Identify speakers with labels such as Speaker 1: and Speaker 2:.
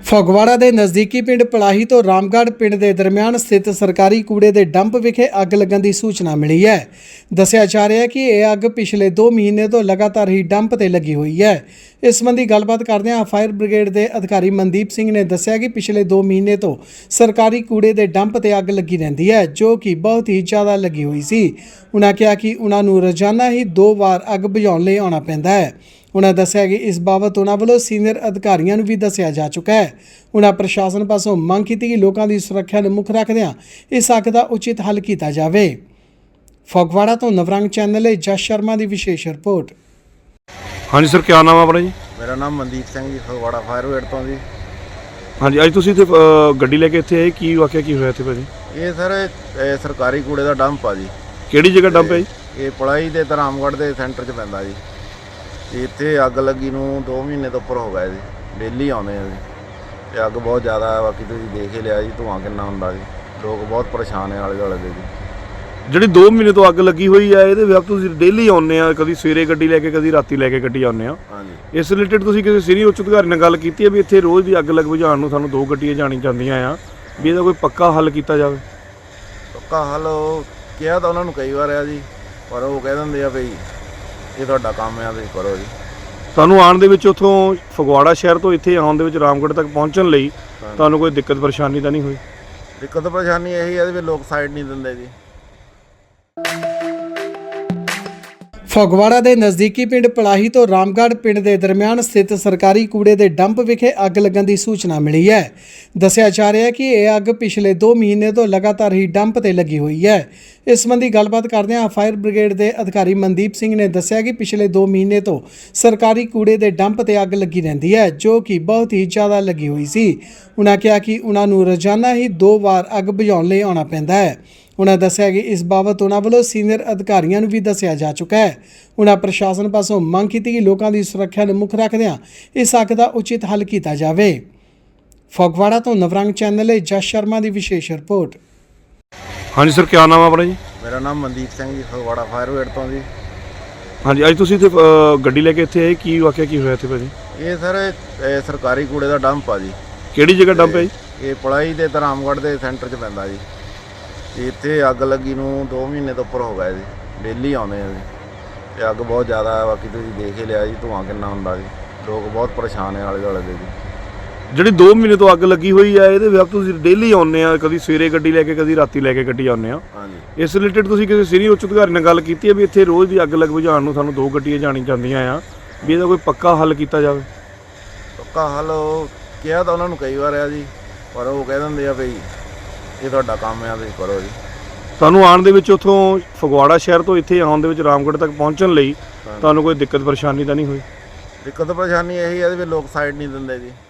Speaker 1: ਫਗਵਾੜਾ ਦੇ ਨਜ਼ਦੀਕੀ ਪਿੰਡ ਪਲਾਹੀ ਤੋਂ ਰਾਮਗੜ੍ਹ ਪਿੰਡ ਦੇ ਦਰਮਿਆਨ ਸਥਿਤ ਸਰਕਾਰੀ ਕੂੜੇ ਦੇ ਡੰਪ ਵਿਖੇ ਅੱਗ ਲੱਗਣ ਦੀ ਸੂਚਨਾ ਮਿਲੀ ਹੈ। ਦੱਸਿਆ ਜਾ ਰਿਹਾ ਹੈ ਕਿ ਇਹ ਅੱਗ ਪਿਛਲੇ 2 ਮਹੀਨੇ ਤੋਂ ਲਗਾਤਾਰ ਹੀ ਡੰਪ ਤੇ ਲੱਗੀ ਹੋਈ ਹੈ। ਇਸ ਸੰਬੰਧੀ ਗੱਲਬਾਤ ਕਰਦਿਆਂ ਫਾਇਰ ਬ੍ਰਿਗੇਡ ਦੇ ਅਧਿਕਾਰੀ ਮਨਦੀਪ ਸਿੰਘ ਨੇ ਦੱਸਿਆ ਕਿ ਪਿਛਲੇ 2 ਮਹੀਨੇ ਤੋਂ ਸਰਕਾਰੀ ਕੂੜੇ ਦੇ ਡੰਪ ਤੇ ਅੱਗ ਲੱਗੀ ਰਹਿੰਦੀ ਹੈ, ਜੋ ਕਿ ਬਹੁਤ ਹੀ ਜ਼ਿਆਦਾ ਲੱਗੀ ਹੋਈ ਸੀ। ਉਨ੍ਹਾਂ ਕਿਹਾ ਕਿ ਉਨ੍ਹਾਂ ਨੂੰ ਰੋਜ਼ਾਨਾ ਹੀ 2 ਵਾਰ ਅੱਗ ਬੁਝਾਉਣ ਲਈ ਆਉਣਾ ਪੈਂਦਾ ਹੈ। उन्होंने दस्या कि इस बाबत उन्होंने वालों सीनियर अधिकारियों को भी दस्या जा चुका है। उन्होंने प्रशासन पासों मंग की कि लोगों की सुरक्षा को मुख रखद्या इस अग का उचित हल किया जाए। फगवाड़ा तो नवरंग चैनल जस शर्मा की विशेष रिपोर्ट।
Speaker 2: हाँ जी सर, क्या नाम है अपना जी?
Speaker 3: मेरा नाम मनदीप सिंह जी, फगवाड़ा फायर ब्रिगेड तो जी।
Speaker 2: हाँ जी, अज तुसीं इत्थे गड्डी लैके इत्थे आए, की वाकया की होया इत्थे भाजी?
Speaker 3: ये सर सरकारी कूड़े का डंप आ जी।
Speaker 2: किहड़ी जगह डंप है जी?
Speaker 3: ये पढ़ाई के रामगढ़ के सेंटर च पैंदा जी। इत्थे अग लगी नूं 2 महीने तो उपर हो गए जी, डेली आउंदे आ जी। अग बहुत ज़्यादा है, बाकी तुसीं देख ही लिया जी धुआं किन्ना हुंदा जी। लोग बहुत परेशान है आले दुआले दे जी।
Speaker 2: ਜਿਹੜੀ 2 ਮਹੀਨੇ ਤੋਂ ਅੱਗ ਲੱਗੀ ਹੋਈ ਹੈ ਇਹਦੇ ਵਿੱਚ ਤੁਸੀਂ ਡੇਲੀ ਆਉਂਦੇ ਆ, ਕਦੀ ਸਵੇਰੇ ਗੱਡੀ ਲੈ ਕੇ ਕਦੀ ਰਾਤੀ ਲੈ ਕੇ ਗੱਡੀ ਆਉਂਦੇ ਆ।
Speaker 3: ਹਾਂਜੀ,
Speaker 2: ਇਸ ਰਿਲੇਟਡ ਤੁਸੀਂ ਕਿਸੇ ਸੀਨੀਅਰ ਉੱਚ ਅਧਿਕਾਰੀ ਨਾਲ ਗੱਲ ਕੀਤੀ ਹੈ ਵੀ ਇੱਥੇ ਰੋਜ਼ ਦੀ ਅੱਗ ਲੱਗ ਬੁਝਾਉਣ ਨੂੰ ਸਾਨੂੰ 2 ਗੱਡੀਆਂ ਜਾਣੀ ਚਾਹੀਦੀਆਂ ਆ, ਵੀ ਇਹਦਾ ਕੋਈ ਪੱਕਾ ਹੱਲ ਕੀਤਾ ਜਾਵੇ?
Speaker 3: ਪੱਕਾ ਹੱਲ ਕਿਹਾ ਤਾਂ ਉਹਨਾਂ ਨੂੰ ਕਈ ਵਾਰ ਆ ਜੀ, ਪਰ ਉਹ ਕਹਿ ਦਿੰਦੇ ਆ ਵੀ ਇਹ ਤੁਹਾਡਾ ਕੰਮ ਆ, ਤੁਸੀਂ ਕਰੋ ਜੀ।
Speaker 2: ਤੁਹਾਨੂੰ ਆਉਣ ਦੇ ਵਿੱਚ ਉੱਥੋਂ ਫਗਵਾੜਾ ਸ਼ਹਿਰ ਤੋਂ ਇੱਥੇ ਆਉਣ ਦੇ ਵਿੱਚ ਰਾਮਗੜ੍ਹ ਤੱਕ ਪਹੁੰਚਣ ਲਈ ਤੁਹਾਨੂੰ ਕੋਈ ਦਿੱਕਤ ਪਰੇਸ਼ਾਨੀ ਤਾਂ ਨਹੀਂ ਹੋਈ?
Speaker 3: ਦਿੱਕਤ ਪਰੇਸ਼ਾਨੀ ਇਹੀ ਹੈ ਵੀ ਲੋਕ ਸਾਈਡ ਨਹੀਂ ਦਿੰਦੇ ਜੀ।
Speaker 1: फगवाड़ा के नज़दीकी पिंड पलाही तो रामगढ़ पिंड के दरमियान स्थित सरकारी कूड़े के डंप विखे अग लगन की सूचना मिली है। दस्या जा रहा है कि यह अग पिछले 2 महीने तो लगातार ही डंप ते लगी हुई है। इस संबंधी गलबात करदे फायर ब्रिगेड के अधिकारी मनदीप सिंह ने दस्या कि पिछले 2 महीने तो सरकारी कूड़े के डंप ते अग लगी रहती है, जो कि बहुत ही ज़्यादा लगी हुई सी। उन्होंने कहा कि उन्होंने रोजाना ही 2 बार अग बुझाउण लई आउणा पैंदा है। उन्होंने दस्या कि इस बाबत उन्होंने वालों सीनियर अधिकारियों को भी दस्या जा चुका है। उन्होंने प्रशासन पासों मंग की कि लोगों की सुरक्षा को मुख रखद्या इस अग का उचित हल किया जाए। फगवाड़ा तो नवरंग चैनल जस शर्मा की विशेष रिपोर्ट।
Speaker 2: हाँ जी सर, क्या नाम है अपना जी?
Speaker 3: मेरा नाम मनदीप सिंह जी, फगवाड़ा फायर ब्रिगेड तो जी।
Speaker 2: हाँ जी, अज तुसीं इत्थे गड्डी लैके इत्थे आए, की वाकया की होया इत्थे भाजी?
Speaker 3: ये सर सरकारी कूड़े का डंप आ जी।
Speaker 2: किहड़ी जगह डंप है जी?
Speaker 3: ये पढ़ाई के रामगढ़ के सेंटर च पैंदा जी। इत्थे अग लगी नूं 2 महीने तो उपर हो गए जी, डेली आउंदे आ जी। अग बहुत ज़्यादा है, बाकी तुसीं देख ही लिया जी धुआं किन्ना हुंदा जी। लोग बहुत परेशान है आले दुआले दे जी।
Speaker 2: ਜਿਹੜੀ 2 ਮਹੀਨੇ ਤੋਂ ਅੱਗ ਲੱਗੀ ਹੋਈ ਹੈ ਇਹਦੇ ਵਿੱਚ ਤੁਸੀਂ ਡੇਲੀ ਆਉਂਦੇ ਆ, ਕਦੀ ਸਵੇਰੇ ਗੱਡੀ ਲੈ ਕੇ ਕਦੀ ਰਾਤੀ ਲੈ ਕੇ ਗੱਡੀ ਆਉਂਦੇ ਆ।
Speaker 3: ਹਾਂਜੀ,
Speaker 2: ਇਸ ਰਿਲੇਟਡ ਤੁਸੀਂ ਕਿਸੇ ਸੀਨੀਅਰ ਉੱਚ ਅਧਿਕਾਰੀ ਨਾਲ ਗੱਲ ਕੀਤੀ ਹੈ ਵੀ ਇੱਥੇ ਰੋਜ਼ ਦੀ ਅੱਗ ਲੱਗ ਬੁਝਾਉਣ ਨੂੰ ਸਾਨੂੰ 2 ਗੱਡੀਆਂ ਜਾਣੀ ਚਾਹੀਦੀਆਂ ਆ, ਵੀ ਇਹਦਾ ਕੋਈ ਪੱਕਾ ਹੱਲ ਕੀਤਾ ਜਾਵੇ?
Speaker 3: ਪੱਕਾ ਹੱਲ ਕਿਹਾ ਤਾਂ ਉਹਨਾਂ ਨੂੰ ਕਈ ਵਾਰ ਆ ਜੀ, ਪਰ ਉਹ ਕਹਿ ਦਿੰਦੇ ਆ ਵੀ ਇਹ ਤੁਹਾਡਾ ਕੰਮ ਆ, ਤੁਸੀਂ ਕਰੋ ਜੀ।
Speaker 2: ਤੁਹਾਨੂੰ ਆਉਣ ਦੇ ਵਿੱਚ ਉੱਥੋਂ ਫਗਵਾੜਾ ਸ਼ਹਿਰ ਤੋਂ ਇੱਥੇ ਆਉਣ ਦੇ ਵਿੱਚ ਰਾਮਗੜ੍ਹ ਤੱਕ ਪਹੁੰਚਣ ਲਈ ਤੁਹਾਨੂੰ ਕੋਈ ਦਿੱਕਤ ਪਰੇਸ਼ਾਨੀ ਤਾਂ ਨਹੀਂ ਹੋਈ?
Speaker 3: ਦਿੱਕਤ ਪਰੇਸ਼ਾਨੀ ਇਹੀ ਹੈ ਵੀ ਲੋਕ ਸਾਈਡ ਨਹੀਂ ਦਿੰਦੇ ਜੀ।